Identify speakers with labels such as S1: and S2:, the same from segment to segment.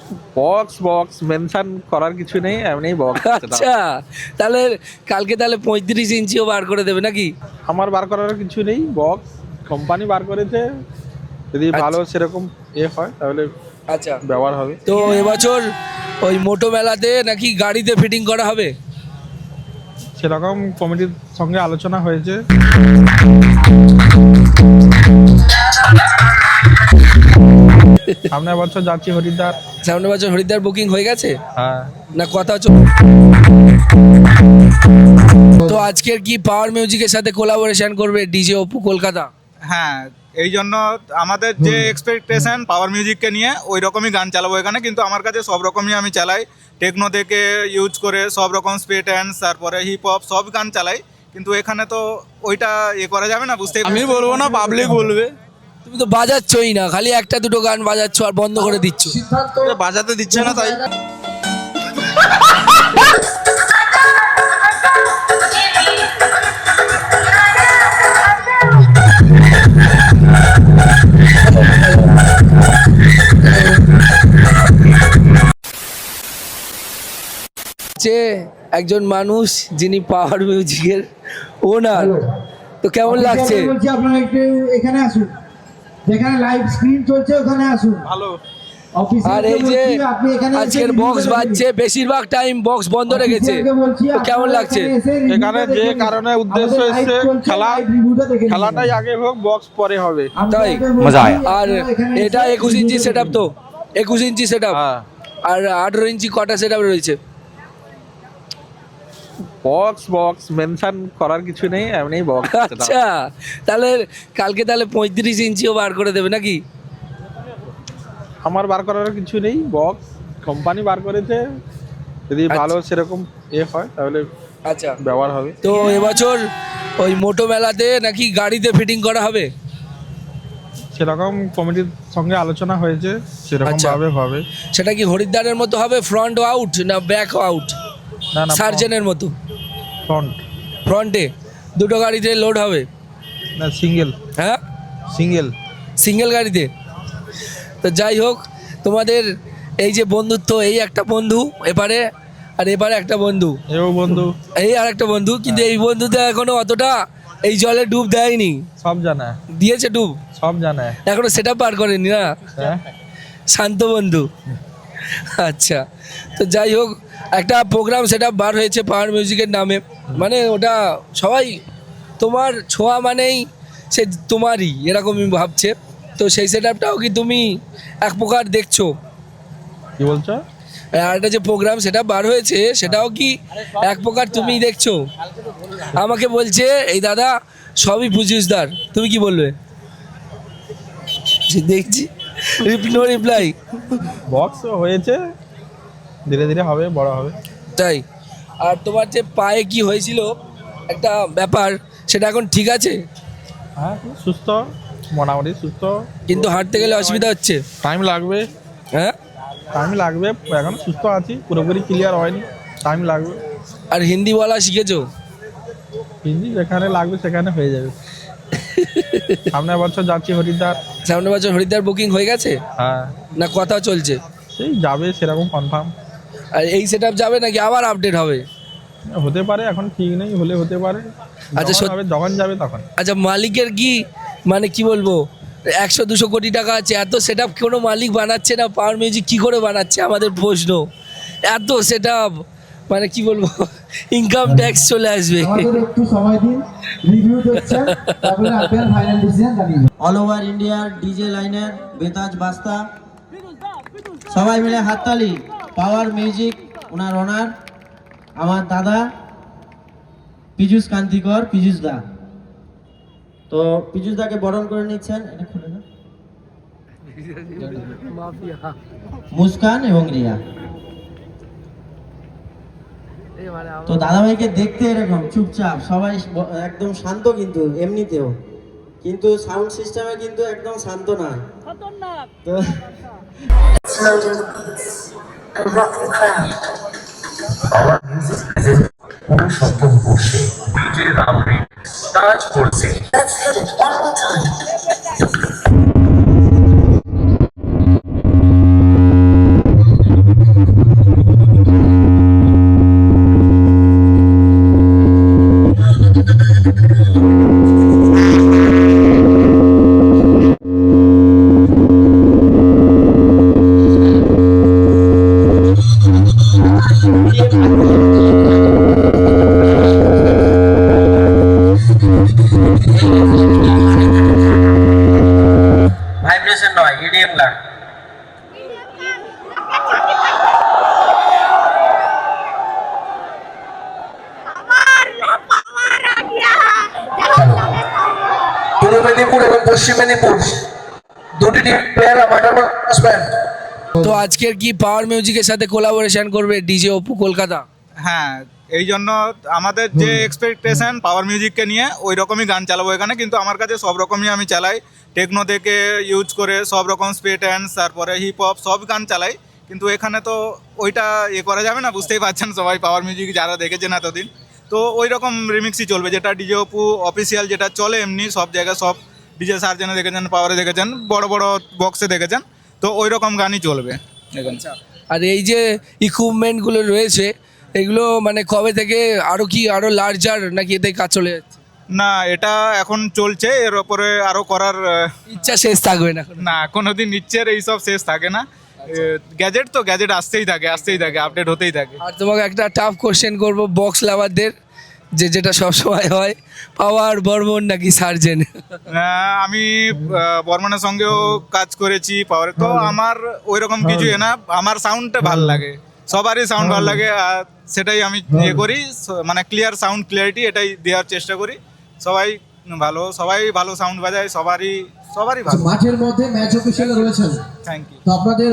S1: Box box mention করার কিছু নেই, এমনি বক্স।
S2: আচ্ছা, তাহলে কালকে তাহলে 35 ইঞ্চিও বার করে দেবে নাকি?
S1: আমার বার করার কিছু নেই, বক্স কোম্পানি বার করেছে, যদি ভালো সেরকম হয় তাহলে
S2: আচ্ছা,
S1: ব্যবহার হবে।
S2: তো এবছর ওই মোটো মেলাতে নাকি গাড়িতে ফিটিং করা হবে?
S1: সেরকম কমিটির সঙ্গে আলোচনা হয়েছে। সামনের বছর যাচ্ছি হরিদ্বার।
S2: সামনের বছর হরিদ্বার বুকিং হয়ে গেছে
S1: হ্যাঁ,
S2: না কথা তো আজকের কি পাওয়ার মিউজিকের সাথে কোলাবোরেশন করবে ডিজে অপু কলকাতা?
S3: হ্যাঁ, এই জন্য আমাদের যে এক্সপেকটেশন পাওয়ার মিউজিককে নিয়ে ওই রকমই গান চালাবো এখানে। কিন্তু আমার কাছে সব রকমই আমি চালাই, টেকনো থেকে ইউজ করে সব রকম স্পিড ড্যান্স, তারপরে হিপ হপ সব গান চালাই। কিন্তু এখানে তো ওইটা করা যাবে না, বুঝতেই
S4: আমি বলবো না, পাবলিক বলবে।
S2: তুমি তো বাজাচ্ছই না, খালি একটা দুটো গান বাজাচ্ছ আর বন্ধ করে দিচ্ছ।
S4: বাজাতে দিচ্ছে না তাই।
S2: যে একজন মানুষ যিনি পাওয়ার মিউজিকের ওনার, তো কেমন লাগছে?
S5: বলছি আপনারা একটু এখানে আসুন, যেখানে লাইভ স্ক্রিন চলছে ওখানে আসুন।
S1: ভালো।
S2: আর এই যে আজকের বক্স বাজছে, বেশিরভাগ টাইম বক্স বন্ধ রেখেছে, তো কেমন লাগছে?
S1: এখানে যে কারণে উদ্দেশ্য এসছে খেলাটাই আগে হোক, বক্স পরে হবে।
S2: তাই
S4: মজা আয়া।
S2: আর এটা 21 ইঞ্চি সেট আপ, তো 21 ইঞ্চি সেট আপ।
S1: হ্যাঁ,
S2: আর 18 ইঞ্চি কটা সেট আপ রয়েছে?
S1: বক্স বক্স মেনশন করার কিছু নেই, এমনি বক্স।
S2: আচ্ছা, তাহলে কালকে তাহলে 35 ইঞ্চিও বার করে দেবে নাকি?
S1: আমার বার করার কিছু নেই, বক্স কোম্পানি বার করেছে, যদি ভালো সেরকম হয় তাহলে
S2: আচ্ছা,
S1: ব্যবহার হবে।
S2: তো এবছর ওই মোটো মেলাতে নাকি গাড়িতে ফিটিং করা হবে?
S1: সেরকম কমিটির সঙ্গে আলোচনা হয়েছে, সেরকম
S2: আচ্ছা।
S1: ভাবে হবে।
S2: সেটা কি হরিদ্বারের মতো হবে, ফ্রন্ট আউট না ব্যাক আউট?
S1: না না,
S2: সার্জেনের মতো
S1: ফ্রন্ট।
S2: ফ্রন্টে দুটো গাড়িতে লোড হবে?
S1: না, সিঙ্গেল
S2: হ্যাঁ,
S1: সিঙ্গেল।
S2: সিঙ্গেল গাড়িতে। তো যাই হোক, তোমাদের এই যে বন্ধুত্ব, এই একটা বন্ধু এপারে আর এপারে একটা বন্ধু,
S1: এও বন্ধু,
S2: এই আর একটা বন্ধু, কিন্তু এই বন্ধুতে এখনো অতটা এই জলে ডুব দেয়নি।
S1: সব জানা,
S2: দিয়েছে ডুব,
S1: সব জানা।
S2: এখনো সেটা পার করেনি না,
S1: হ্যাঁ,
S2: শান্ত বন্ধু। আচ্ছা, তো যাই হোক, একটা প্রোগ্রাম সেটা বার হয়েছে পাওয়ার মিউজিকের নামে, মানে ওটা সবাই তোমার ছোঁয়া মানেই সে তোমারই এরকমই ভাবছে। তো সেই সেট আপটাও কি তুমি এক প্রকার দেখছো?
S1: কি বলছো?
S2: আর একটা যে প্রোগ্রাম সেটা বার হয়েছে সেটাও কি এক প্রকার তুমি দেখছো? আমাকে বলছে এই দাদা সবই পুজিসদার, তুমি কি বলবে? দেখছি নো রিপ্লাই।
S1: বক্স হয়েছে, ধীরে ধীরে হবে, বড় হবে।
S2: তাই? আর তোমার যে পায়ে কি হয়েছিল একটা ব্যাপার, সেটা এখন ঠিক আছে?
S1: হ্যাঁ, সুস্থ, মোটামুটি সুস্থ।
S2: কিন্তু হাঁটতে গেলে অসুবিধা হচ্ছে?
S1: টাইম লাগবে,
S2: হ্যাঁ,
S1: টাইম লাগবে, এখন সুস্থ আছি, পুরোপুরি ক্লিয়ার হয়নি, টাইম লাগবে।
S2: আর হিন্দি বলা শিখেছো?
S1: হিন্দি যেখানে লাগবে সেখানে হয়ে যাবে। সামনের বছর যাচ্ছি হরিদ্বার।
S2: সামনের বছর হরিদ্বার বুকিং হয়ে গেছে
S1: হ্যাঁ,
S2: না কথা চলছে?
S1: সেই যাবে সেরকম কনফার্ম।
S2: আর এই সেট আপ যাবে নাকি আবার আপডেট হবে?
S1: হতে পারে, এখন ঠিক নেই, হলে হতে পারে।
S2: আচ্ছা,
S1: যখন হবে, যখন যাবে তখন।
S2: আচ্ছা, মালিকের কি মানে কি বলবো, 100-200 কোটি টাকা আছে, এত সেট আপ কোনো মালিক বানাচ্ছে না, পাওয়ার মিউজিক কি করে বানাচ্ছে আমাদের প্রশ্ন। এত সেট আপ মানে কি বলবো, ইনকাম ট্যাক্স চলে আসবে।
S5: আমাদের একটু সময় দিন, রিভিউ দেখছেন, তারপরে আপনার ফাইনাল ডিসিশন জানিয়ে দিন।
S6: অল ওভার ইন্ডিয়ার ডিজে লাইনের বেতাজ বাস্তা সবাই মিলে হাততালি। পাওয়ার মিউজিক ওনার ওনার আমার দাদা পীযূষ কান্তিকর, পীযূষ দা। তো পীযূষ দাকে বরণ করে নিচ্ছেন, এটা খুলে না, মুস্কান এবং রিয়া। তো দাদাভাইকে দেখতে এরকম চুপচাপ, সবাই একদম শান্ত, কিন্তু এমনিতেও কিন্তু সাউন্ড সিস্টেমে কিন্তু একদম শান্ত নয়। তো
S7: অনুসন্ধান করছে নিজের নামে কাজ করছে।
S8: মেদিনীপুর এবং পশ্চিম মেদিনীপুর দুটি টিম প্লেয়ার মাঠের মধ্যে আসবেন।
S2: তো আজকের কি পাওয়ার মিউজিকের সাথে কোলাবোরেশন করবে ডিজে অপু কলকাতা?
S3: হ্যাঁ, এই জন্য আমাদের যে এক্সপেকটেশন পাওয়ার মিউজিককে নিয়ে ওই রকমই গান চালাবো এখানে, কিন্তু আমার কাছে সব রকমই আমি চালাই, টেকনো থেকে ইউজ করে সব রকম স্পিড হ্যান্ডস, তারপরে হিপ হপ সব গান চালাই। কিন্তু এখানে তো ওইটা করা যাবে না, বুঝতেই পারছেন সবাই, পাওয়ার মিউজিক যারা দেখেছেন এতদিন, তো ওই রকম রিমিক্সই চলবে, যেটা ডিজে অপু অফিসিয়াল যেটা চলে এমনি সব জায়গায়, সব ডিজে সার্জেনে দেখেছেন, পাওয়ারে দেখেছেন, বড় বড় বক্সে দেখেছেন, তো ওই রকম গানই চলবে এখানে।
S2: আর এই যে ইকুইপমেন্টগুলো রয়েছে এগুলো মানে কবে থেকে আরো লার্জার নাকি এতে কাজ চলে যাচ্ছে?
S3: না, এটা এখন চলছে, এর ওপরে আরও করার
S2: ইচ্ছা শেষ থাকবে না?
S3: না, কোনোদিন ইচ্ছের এইসব শেষ থাকে না। গ্যাজেট তো গ্যাজেট আসতেই থাকে, আপডেট হতেই থাকে।
S2: আর তোমাকে একটা টাফ কোশ্চেন করবো বক্স লাভারদের, যেটা সবসময় হয়, পাওয়ার বর্মন নাকি সার্জেন?
S3: আমি বর্মনের সঙ্গেও কাজ করেছি পাওয়ারে, তো আমার ওই রকম কিছু না, আমার সাউন্ডটা ভালো লাগে, সবারই সাউন্ড ভালো লাগে, আর সেটাই আমি করি, মানে ক্লিয়ার সাউন্ড ক্লিয়ারিটি এটাই দেওয়ার চেষ্টা করি। সবাই ভালো সাউন্ড বাজায়, সবারই ভালো।
S5: মাঠের মধ্যে ম্যাচ অফিসিয়াল রয়েছেন,
S3: থ্যাংক ইউ।
S5: তো আপনাদের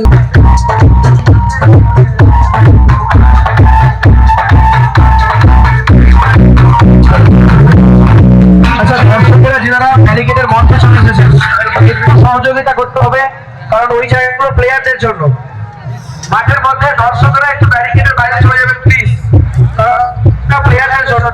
S8: আচ্ছা, দর্শকেরা যারা ব্যারিকেডের মঞ্চে চলে এসেছেন একটু সহযোগিতা করতে হবে, কারণ ওই জায়গাগুলো প্লেয়ারদের জন্য। মাঠের মধ্যে দর্শকরা একটু ব্যারিকেডের বাইরে চলে যাবেন প্লিজ, কারণ প্লেয়ারদের জন্য।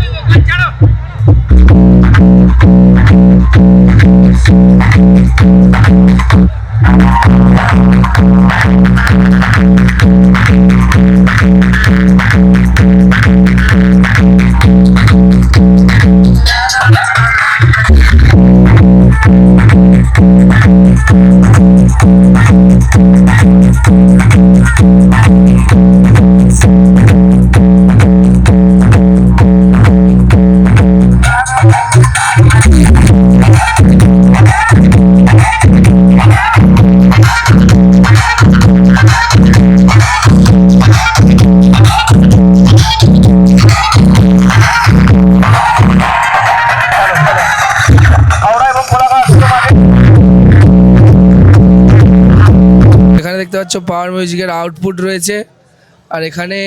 S2: এখানে দেখতে পাচ্ছ পাওয়ার মিউজিকের আউটপুট রয়েছে, আর এখানে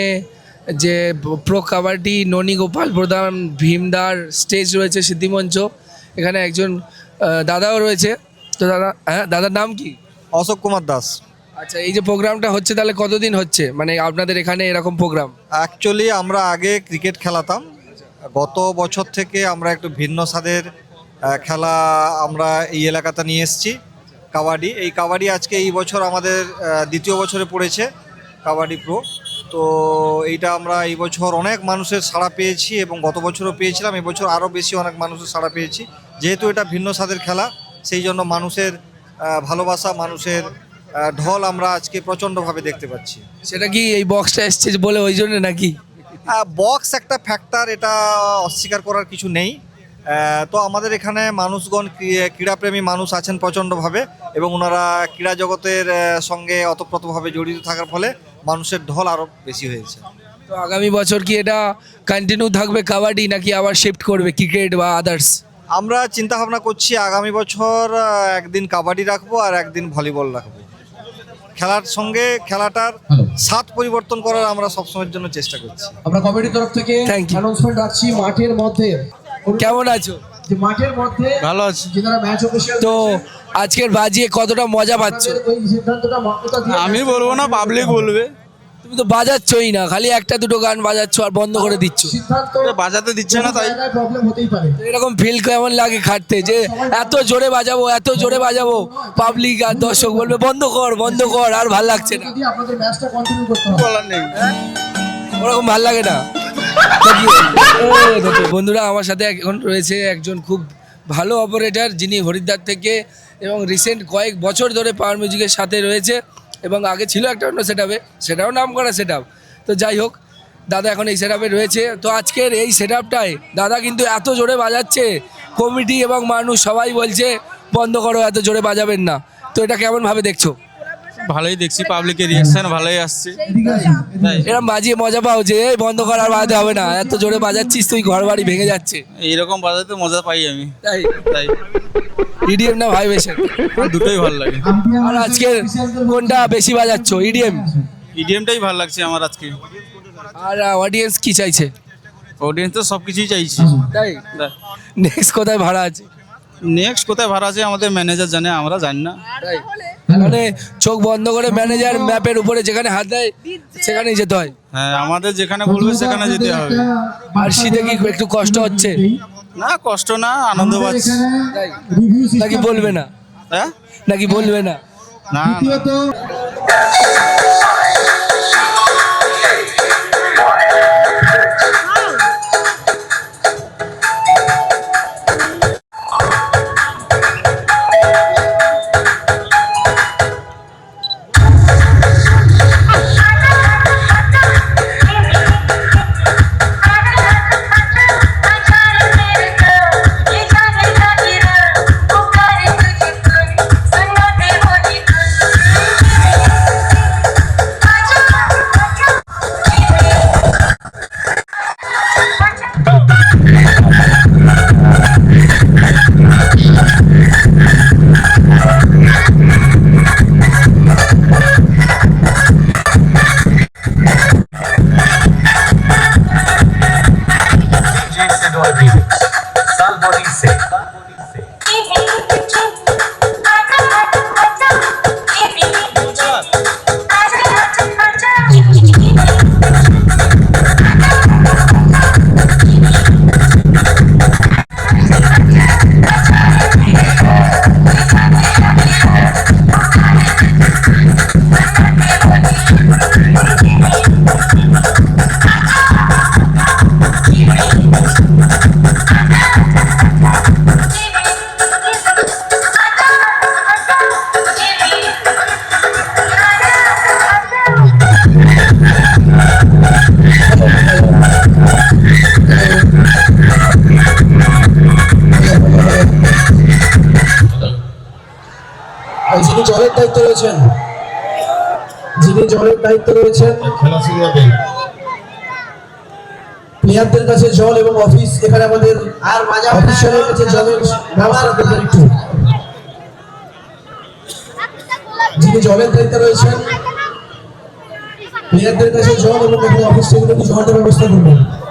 S2: যে প্রো কাবাডি ননী গোপাল প্রধান ভীমদার স্টেজ রয়েছে, সিদ্ধিমঞ্চ, এখানে একজন দাদাও রয়েছে। তো দাদার নাম কি?
S4: অশোক কুমার দাস।
S2: আচ্ছা, এই যে প্রোগ্রামটা হচ্ছে তাহলে কতদিন হচ্ছে, মানে আপনাদের এখানে এরকম প্রোগ্রাম?
S4: অ্যাকচুয়ালি আমরা আগে ক্রিকেট খেলাতাম, গত বছর থেকে আমরা একটু ভিন্ন স্বাদের খেলা আমরা এই এলাকাতে নিয়ে এসেছি, কাবাডি। এই কাবাডি আজকে এই বছর আমাদের দ্বিতীয় বছরে পড়েছে কাবাডি প্রো। তো এইটা আমরা এই বছর অনেক মানুষের সাড়া পেয়েছি এবং গত বছরও পেয়েছিলাম, এবছর আরও বেশি অনেক মানুষের সাড়া পেয়েছি। যেহেতু এটা ভিন্ন স্বাদের খেলা, সেই জন্য মানুষের ভালোবাসা, মানুষের ঢল আমরা আজকে প্রচণ্ডভাবে দেখতে পাচ্ছি।
S2: সেটা কি এই বক্সটা এসছে বলে ওই জন্য নাকি?
S4: বক্স একটা ফ্যাক্টর, এটা অস্বীকার করার কিছু নেই। তো আমাদের এখানে মানুষগণ, ক্রীড়াপ্রেমী মানুষ আছেন প্রচণ্ডভাবে, এবং ওনারা ক্রীড়া জগতের সঙ্গে ওতপ্রোতভাবে জড়িত থাকার ফলে মানুষের ঢল আরও বেশি হয়েছে।
S2: তো আগামী বছর কি এটা কন্টিনিউ থাকবে কাবাডি, নাকি আবার শিফট করবে ক্রিকেট বা আদার্স?
S4: আমরা চিন্তা ভাবনা করছি আগামী বছর একদিন কাবাডি রাখবো আর একদিন ভলিবল রাখবো। খেলার সঙ্গে খেলাটার স্বাদ পরিবর্তন করার আমরা সবসময়ের জন্য চেষ্টা করছি।
S5: আমরা কমিটির তরফ থেকে
S2: Thank you.
S5: অ্যানাউন্সমেন্ট রাখছি মাঠের মধ্যে।
S2: কেমন আছো?
S5: যে মাঠের মধ্যে
S1: ভালো আছি।
S5: যারা ম্যাচ অফিসিয়াল,
S2: তো আজকের বাজিয়ে কতটা মজা পাচ্ছ?
S5: ওই সিদ্ধান্তটা মান্যতা দিয়ে
S1: আমি বলবো না, পাবলিক বলবে।
S2: তুমি তো বাজাচ্ছই না, খালি একটা দুটো গান বাজাচ্ছ আর বন্ধ করে দিচ্ছ।
S5: সিদ্ধান্ত
S4: বাজাতে দিচ্ছে না, তাই
S5: প্রবলেম হতেই পারে।
S2: তো এরকম ফিল কেমন লাগে খাটতে, যে এত জোরে বাজাবো পাবলিক আর দর্শক বলবে বন্ধ কর, আর ভাল লাগছে না?
S5: যদি আপনাদের ম্যাচটা কন্টিনিউ করতে হবে,
S4: বলার নেই।
S2: ওরকম ভাল লাগে না? বন্ধুরা, আমার সাথে এখন রয়েছে একজন খুব ভালো অপারেটর, যিনি হরিদ্বার থেকে এবং রিসেন্ট কয়েক বছর ধরে পাওয়ার মিউজিকের সাথে রয়েছে, এবং আগে ছিল একটা অন্য সেটআপে, সেটাও নাম করা সেটআপ। তো যাই হোক, দাদা এখন এই সেটআপে রয়েছে। তো আজকের এই সেটআপটায় দাদা কিন্তু এত জোরে বাজাচ্ছে, কমিটি এবং মানুষ সবাই বলছে বন্ধ করো, এত জোরে বাজাবেন না। তো এটা কেমনভাবে দেখছো?
S3: ভালোই দেখছি, পাবলিকের রিয়াকশন ভালোই আসছে। তাই
S2: এরকম বাজিয়ে মজা পাও যে এই বন্ধ করার বাজাতে হবে না, এত জোরে বাজাচ্ছিস তুই ঘর বাড়ি ভেঙে যাচ্ছে।
S3: এইরকম বাজাতে মজা পাই আমি।
S2: তাই
S3: তাই
S2: ইডিএম না ভাইবেশন?
S3: দুটোই ভালো লাগে।
S2: আর আজকে কোনটা বেশি বাজাচ্ছ, ইডিএম?
S3: ইডিএমটাই ভালো লাগছে আমার আজকে।
S2: আর অডিয়েন্স কি চাইছে?
S3: অডিয়েন্স তো সব কিছুই চাইছি।
S2: তাই নেক্সট কোথায় ভাড়া আছে?
S3: নেক্সট কোথায় ভাড়া আছে আমাদের ম্যানেজার জানে, আমরা জানি না।
S2: তাই মানে চোখ বন্ধ করে ম্যানেজার ম্যাপের উপরে যেখানে হাত দেয় সেখানেই যেতে হয়।
S3: হ্যাঁ, আমাদের যেখানে বলবে সেখানে যেতে হবে।
S2: আর শীতে কি একটু কষ্ট হচ্ছে?
S3: না, কষ্ট না, আনন্দ পাচ্ছি।
S2: তাই নাকি বলবে না?
S3: হ্যাঁ,
S2: নাকি বলবে না?
S3: না,
S5: দ্বিতীয়ত
S7: साल बॉडी से
S5: যিনি জলের দায়িত্ব রয়েছেন,
S7: खेला शुरू हो गई।
S5: প্লেয়ারদের কাছে জল এবং অফিস এখানে আমাদের আর অফিসারের কাছে জলের ব্যবস্থা করবেন একটু। যিনি জলের দায়িত্বে রয়েছেন প্লেয়ারদের কাছে জল এবং এখানে অফিস সেগুলো একটু জলের ব্যবস্থা করবেন।